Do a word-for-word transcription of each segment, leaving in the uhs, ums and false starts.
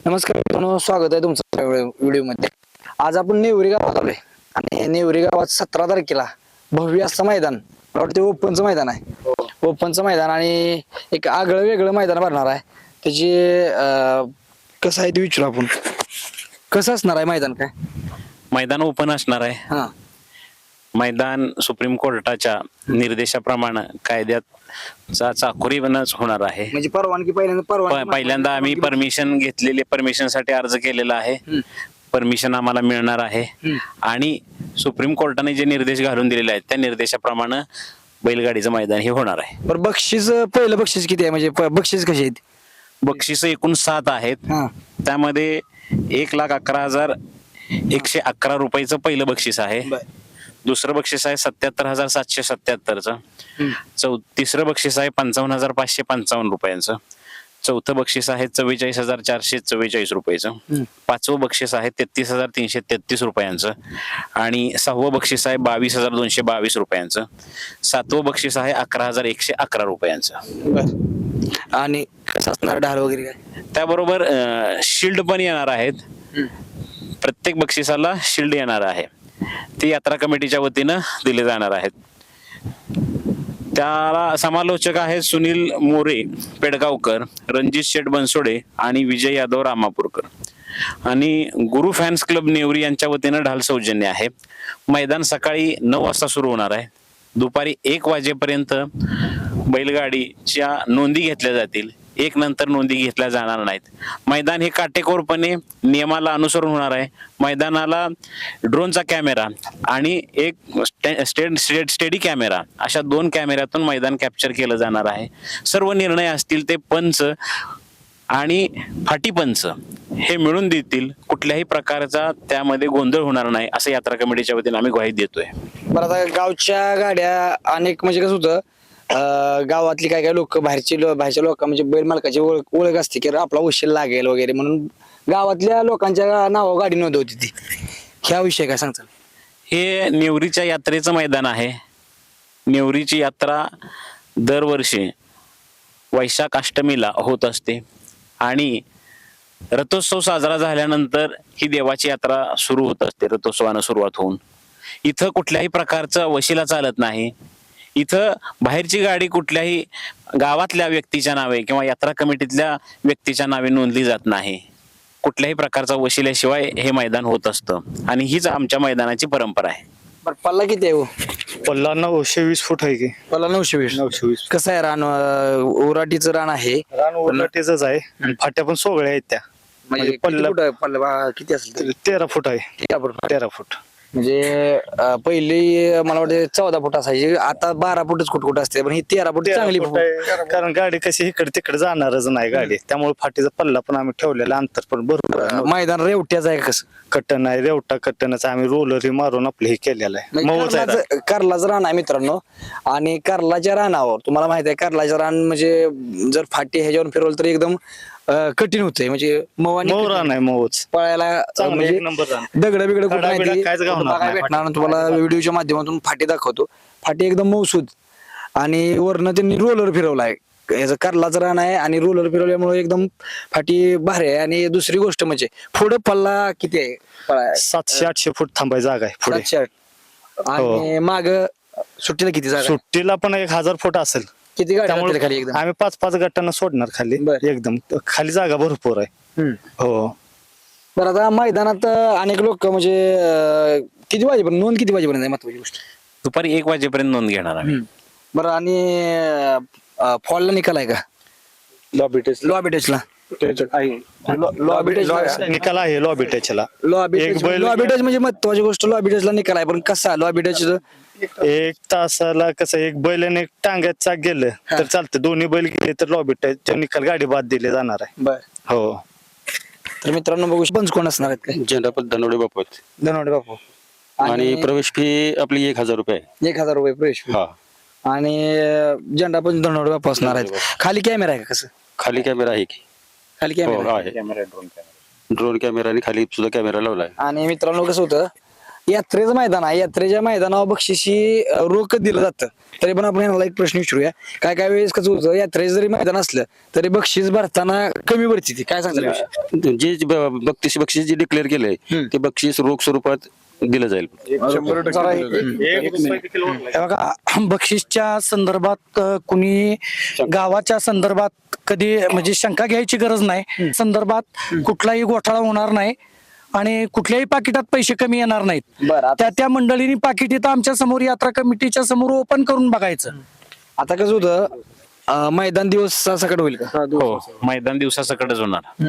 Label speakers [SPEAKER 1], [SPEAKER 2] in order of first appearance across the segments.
[SPEAKER 1] नमस्कार मित्रांनो, स्वागत आहे तुमचं व्हिडिओ मध्ये. आज आपण नेवरी गावात आलोय आणि नेवरी गावात सतरा तारखेला भव्य असं मैदान, मला वाटतं ओपनचं मैदान आहे. ओपनचं मैदान आणि एक आगळं वेगळं मैदान भरणार आहे. त्याची अं, कसं आहे ते विचारू आपण. कसं असणार आहे मैदान? काय
[SPEAKER 2] मैदान ओपन असणार आहे.
[SPEAKER 1] हा
[SPEAKER 2] मैदान सुप्रीम कोर्टाच्या निर्देशाप्रमाणे कायद्याचा चाकोरीवरच होणार आहे.
[SPEAKER 1] म्हणजे परवानगी पहिल्यांदा परवानगी
[SPEAKER 2] पहिल्यांदा आम्ही परमिशन घेतलेले, परमिशन साठी अर्ज केलेला आहे. परमिशन आम्हाला मिळणार आहे आणि सुप्रीम कोर्टाने जे निर्देश घालून दिलेले आहेत त्या निर्देशाप्रमाणे बैलगाडीचं मैदान हे होणार आहे.
[SPEAKER 1] बरं, बक्षीस पहिलं बक्षीस किती आहे? म्हणजे प- बक्षीस कशी आहेत?
[SPEAKER 2] बक्षीस एकूण सात आहेत.
[SPEAKER 1] हा
[SPEAKER 2] त्यामध्ये एक लाख अकरा हजार एकशे अकरा रुपयाचं पहिलं बक्षीस आहे. दुसरं बक्षीस आहे सत्याहत्तर हजार सातशे सत्याहत्तरचं. चौ तिसरं बक्षीस आहे पंचावन्न हजार पाचशे पंचावन्न रुपयांचं. चौथं बक्षीस आहे चव्वेचाळीस हजार चारशे चव्वेचाळीस रुपयाचं. पाचवं बक्षीस आहे तेहतीस हजार तीनशे तेहतीस रुपयांचं आणि सहावं बक्षीस आहे बावीस हजार दोनशे बावीस रुपयांचं. सातवं बक्षीस आहे अकरा हजार एकशे अकरा रुपयांचं.
[SPEAKER 1] आणि कसं असणार ढाल वगैरे काय?
[SPEAKER 2] त्याबरोबर शिल्ड पण येणार आहेत. प्रत्येक बक्षिसाला शिल्ड येणार आहे. ते यात्रा कमिटीच्या वतीनं दिले जाणार आहेत. त्याला समालोचक आहेत सुनील मोरे पेडगावकर, रणजित शेठ बनसोडे आणि विजय यादव रामापूरकर. आणि गुरु फॅन्स क्लब नेवरी यांच्या वतीनं ढाल सौजन्य आहे. मैदान सकाळी नऊ वाजता सुरू होणार आहे. दुपारी एक वाजेपर्यंत बैलगाडीच्या नोंदी घेतल्या जातील. एक नंतर नोंदी घेतल्या जाणार नाहीत. मैदान हे काटेकोरपणे नियमाला अनुसरून होणार आहे. मैदानाला ड्रोनचा कॅमेरा आणि एक स्टे स्टे स्टेडी कॅमेरा अशा दोन कॅमेऱ्यातून मैदान कॅप्चर केलं जाणार आहे. सर्व निर्णय असतील ते पंच आणि फाटी पंच हे मिळून देतील. कुठल्याही प्रकारचा त्यामध्ये गोंधळ होणार नाही असं यात्रा कमिटीच्या वतीने आम्ही ग्वाही देतोय.
[SPEAKER 1] बरं, आता गावच्या गाड्या अनेक म्हणजे कसं होतं, अं, गावातली काय काय लोक बाहेरची लो- बाहेरच्या लोक म्हणजे बैल मालकाची ओळख ओळख असते की आपला उशीर लागेल वगैरे म्हणून गावातल्या लोकांच्या नावावर गाडी नोंदवती ती. ह्या विषय काय सांगताल?
[SPEAKER 2] हे नेवरीच्या यात्रेचं मैदान आहे. नेवरीची यात्रा दरवर्षी वैशाख अष्टमीला होत असते आणि रथोत्सव साजरा झाल्यानंतर ही देवाची यात्रा सुरू होत असते. रथोत्सवानं सुरुवात होऊन इथं कुठल्याही प्रकारचा वशिला चालत नाही. इथं बाहेरची गाडी कुठल्याही गावातल्या व्यक्तीच्या नावे किंवा यात्रा कमिटीतल्या व्यक्तीच्या नावे नोंदली जात नाही. कुठल्याही प्रकारचा वशिल्याशिवाय हे मैदान होत असतं आणि हीच आमच्या मैदानाची परंपरा आहे.
[SPEAKER 1] बरं, पल्ला किती आहे हो?
[SPEAKER 3] पल्ला नऊशे वीस फूट आहे की.
[SPEAKER 1] पल्ला नऊशे वीस.
[SPEAKER 3] नऊशे वीस
[SPEAKER 1] कसं आहे रान? अं, उराटीचं रान आहे
[SPEAKER 3] रान उलटेच आहे आणि फाट्या पण सोगळ्या आहेत त्या.
[SPEAKER 1] म्हणजे
[SPEAKER 3] म्हणजे
[SPEAKER 1] पल्ला
[SPEAKER 3] पल्ला
[SPEAKER 1] पल्ला किती असेल?
[SPEAKER 3] तेरा फूट आहे.
[SPEAKER 1] तेरा फूट.
[SPEAKER 3] तेरा फूट
[SPEAKER 1] म्हणजे अं, पहिली मला वाटतं चौदा फूट असायची, आता बारा फुटच कुठ कुठ असते, पण ही तेरा फूट
[SPEAKER 3] तेरा
[SPEAKER 1] चांगली
[SPEAKER 3] फूट
[SPEAKER 1] फूट.
[SPEAKER 3] आहे. कारण गाडी कशी इकडे तिकडे जाणारच नाही गाडी, त्यामुळे फाटीचा पल्ला पण आम्ही ठेवलेला, अंतर पण भरपूर आहे.
[SPEAKER 1] मैदान रेवट्याचं आहे कसं?
[SPEAKER 3] कट्टन आहे, रेवटा कट्टनच आम्ही रोलरी मारून आपलं हे केलेलं आहे.
[SPEAKER 1] म्हणजे
[SPEAKER 3] मऊच आहे.
[SPEAKER 1] कारलाचं कारलाचं रान आहे मित्रांनो. आणि कारलाच्या रानावर तुम्हाला माहित आहे, कारलाच्या रान म्हणजे जर फाटी ह्याच्यावर फिरवलं तर एकदम अं, कठीण होतंय. म्हणजे मऊ आणि
[SPEAKER 3] मऊ रान आहे, मऊच
[SPEAKER 1] पळायला
[SPEAKER 3] चांगलं,
[SPEAKER 1] म्हणजे
[SPEAKER 3] एक नंबर रान.
[SPEAKER 1] दगड बिगड
[SPEAKER 3] खडा बिडा काहीच गावणार नाही.
[SPEAKER 1] भेटणार. तुम्हाला व्हिडिओच्या माध्यमातून फाटी दाखवतो. फाटी एकदम मऊसूद आणि वरनं त्यांनी रोलर फिरवलाय. याचं कारलाचं रान आहे आणि रोलर फिरवल्यामुळे एकदम फाटी भारी आहे. आणि दुसरी गोष्ट म्हणजे पुढे पल्ला किती आहे? पळाय-
[SPEAKER 3] सातशे आठशे फूट थांबाय जागा आहे पुढे.
[SPEAKER 1] सातशे आठ. आणि माग सुट्टीला किती जागा?
[SPEAKER 3] सुट्टीला पण एक हजार फूट असेल.
[SPEAKER 1] किती गाड्या
[SPEAKER 3] त्यामुळे
[SPEAKER 1] राहतील खाली एकदम?
[SPEAKER 3] आम्ही पाच पाच गटांना सोडणार खाली.
[SPEAKER 1] बरं.
[SPEAKER 3] एकदम खाली जागा भरपूर आहे.
[SPEAKER 1] हम्म.
[SPEAKER 3] हो
[SPEAKER 1] बरं, आता मैदानात अनेक लोक म्हणजे अं, किती वाजेपर्यंत नोंद किती वाजेपर्यंत आहे महत्वाची गोष्ट?
[SPEAKER 2] दुपारी एक वाजेपर्यंत नोंद घेणार आम्ही.
[SPEAKER 1] बरं, आणि फॉलला निकाल आहे का? लॉबी टेस्ट लॉबी टेस्टला लॉबी टेस्ट
[SPEAKER 3] निकाल आहे लॉबी टचला.
[SPEAKER 1] लॉबी
[SPEAKER 3] एक
[SPEAKER 1] टेस्ट
[SPEAKER 3] बैल-
[SPEAKER 1] लॉबी टेस्ट म्हणजे महत्वाची गोष्ट. लॉबी टेस्टला निकाल आहे, पण कसा लॉबी टेस्ट?
[SPEAKER 3] एक तासाला कसं एक बैल आणि एक टांग्यात चाक गेलं तर चालतं. दोन्ही बैल गेले तर लॉबी टच निकाल गाडी बाद दिले जाणार आहे.
[SPEAKER 1] बर,
[SPEAKER 3] हो.
[SPEAKER 1] तर मित्रांनो बघू पंच कोण असणार आहेत काय?
[SPEAKER 4] झेंडापत धनवडे बापू आहेत.
[SPEAKER 1] धनवडे बापू.
[SPEAKER 4] आणि प्रवेश फी आपली एक हजार रुपये आहे.
[SPEAKER 1] एक हजार रुपये प्रवेश fee.
[SPEAKER 4] हा,
[SPEAKER 1] आणि अं, झेंडा पण धनवडे बापू असणार आहेत. खाली कॅमेरा आहे का? कसं
[SPEAKER 4] खाली कॅमेरा आहे की?
[SPEAKER 1] खाली
[SPEAKER 4] हो
[SPEAKER 1] कॅमेरा?
[SPEAKER 4] आहे. ड्रोन कॅमेरा आणि खाली सुद्धा कॅमेरा लावलाय.
[SPEAKER 1] आणि मित्रांनो कसं होतं, यात्रेचं मैदान आहे, यात्रेच्या मैदानावर बक्षिशी अं, रोख दिलं जातं. तरी पण आपण यांना एक प्रश्न विचारूया, काय काय वेळेस कसं होतं, यात्रेचं जरी मैदान असलं तरी बक्षीस भरताना कमी भरती ती, काय सांगता विषय?
[SPEAKER 4] जे जे ब- बक्षीस बक्षीस जे डिक्लेअर केलंय ते बक्षीस रोख स्वरूपात दिलं जाईल.
[SPEAKER 5] हे बघा, बक्षीसच्या संदर्भात अ, कुणी गावाच्या संदर्भात कधी म्हणजे शंका घ्यायची गरज नाही. संदर्भात कुठलाही घोटाळा होणार नाही आणि कुठल्याही पाकिटात पैसे कमी येणार नाहीत.
[SPEAKER 1] बरं, आता-
[SPEAKER 5] त्या त्या मंडळींनी पाकिट इथं आमच्या समोर यात्रा कमिटीच्या समोर ओपन करून बघायचं.
[SPEAKER 1] आता कसं होतं, अं, मैदान दिवस सकट होईल का?
[SPEAKER 2] हो मैदान दिवसासकटच होणार.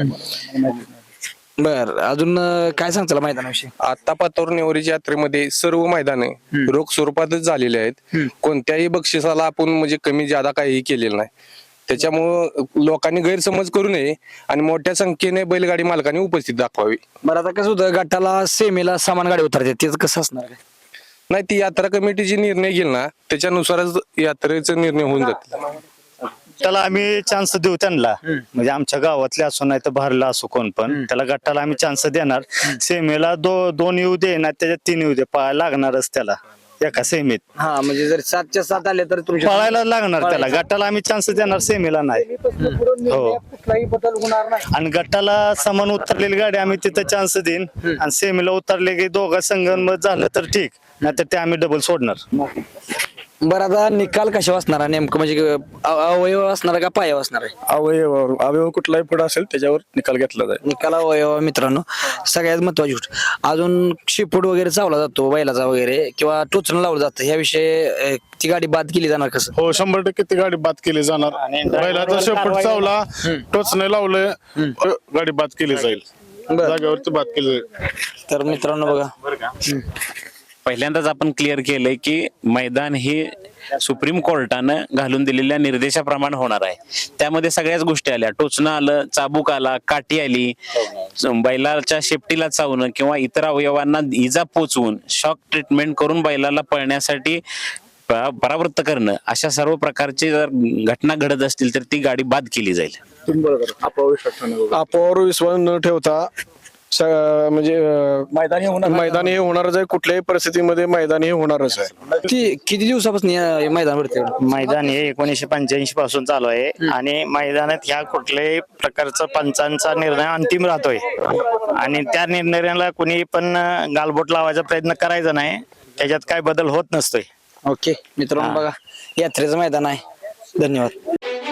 [SPEAKER 1] बर, अजून अं, काय सांगताल मैदानाविषयी?
[SPEAKER 6] आता पातूर नेवरीच्या यात्रेमध्ये सर्व मैदाने रोख स्वरूपातच झालेले आहेत. कोणत्याही बक्षिसाला आपण म्हणजे कमी जादा काही केलेलं नाही. त्याच्यामुळं लोकांनी गैरसमज करू नये आणि मोठ्या संख्येने बैलगाडी मालकांनी उपस्थित दाखवावी.
[SPEAKER 1] बरं, आता कसं होतं, गटाला सेमीला समान गाडी उतरते, त्याचं कसं असणार काय?
[SPEAKER 6] नाही, ती यात्रा कमिटीची निर्णय घेईल ना त्याच्यानुसारच यात्रेचा निर्णय होऊन जातील.
[SPEAKER 3] त्याला आम्ही चान्स देऊ त्यांना, म्हणजे आमच्या गावातले असो नाही तर बाहेरला असो कोण पण, त्याला गटाला आम्ही चान्स देणार. सेमीला दो दोन येऊ दे ना त्याच्यात तीन येऊ दे, पळायला लागणारच त्याला एका सेमीत.
[SPEAKER 1] हा, म्हणजे जर सातच्या सात आले तर तुमच्या
[SPEAKER 3] पळायला लागणार त्याला, गटाला आम्ही चान्स देणार, सेमीला नाही. हो,
[SPEAKER 5] कुठलाही बदल होणार नाही.
[SPEAKER 3] आणि गटाला समान उतरलेली गाडी आम्ही तिथं चान्स देईन आणि सेमीला उतरले की दोघा संगनमत झालं तर ठीक, नाहीतर ते आम्ही डबल सोडणार.
[SPEAKER 1] बरं, आता निकाल कशा असणार आहे नेमकं, म्हणजे अ- अवयव असणार का पाया असणार आहे?
[SPEAKER 7] अवयव अवयव कुठलाही पुढे असेल त्याच्यावर निकाल घेतला जाईल.
[SPEAKER 1] निकाल अवयव मित्रांनो सगळ्यात महत्वाची गोष्ट. अजून शिपूट वगैरे चावला जातो बैलाचा वगैरे, किंवा टोचणं लावलं जातं, ह्याविषयी अ, ती गाडी बाद केली जाणार कसं?
[SPEAKER 7] हो, शंभर टक्के ती गाडी बाद केली जाणार. बैलाचा शेपट चावला, टोचणे लावलं, गाडी बाद केली जाईल. जागेवरती बाद केली जाईल.
[SPEAKER 1] तर मित्रांनो बघा,
[SPEAKER 2] पहिल्यांदाच आपण क्लिअर केलंय की मैदान हे सुप्रीम कोर्टानं घालून दिलेल्या निर्देशाप्रमाणे होणार आहे. त्यामध्ये सगळ्याच गोष्टी आल्या, टोचणं आलं, चाबूक आला, काठी आली, बैलाच्या शेपटीला चावणं किंवा इतर अवयवांना इजा पोचवून शॉक ट्रीटमेंट करून बैलाला पळण्यासाठी प- परावृत्त करणं, अशा सर्व प्रकारची जर घटना घडत असतील तर ती गाडी बाद केली जाईल.
[SPEAKER 7] अपोवर विश्वास न ठेवता स- म्हणजे अं,
[SPEAKER 5] मैदानी होणार
[SPEAKER 7] मैदान हे होणारच आहे. कुठल्याही परिस्थितीमध्ये मैदान हे होणारच आहे.
[SPEAKER 1] ती किती दिवसापासून या मैदान भरते?
[SPEAKER 3] मैदान हे एकोणीसशे पंच्याऐंशी पासून चालू आहे आणि मैदानात ह्या कुठल्याही प्रकारचा पंचांचा निर्णय अंतिम राहतोय आणि त्या निर्णयाला कुणी पण गालबोट लावायचा प्रयत्न करायचा नाही, त्याच्यात काय बदल होत नसतोय.
[SPEAKER 1] ओके मित्रांनो बघा, यात्रेचं मैदान आहे. धन्यवाद.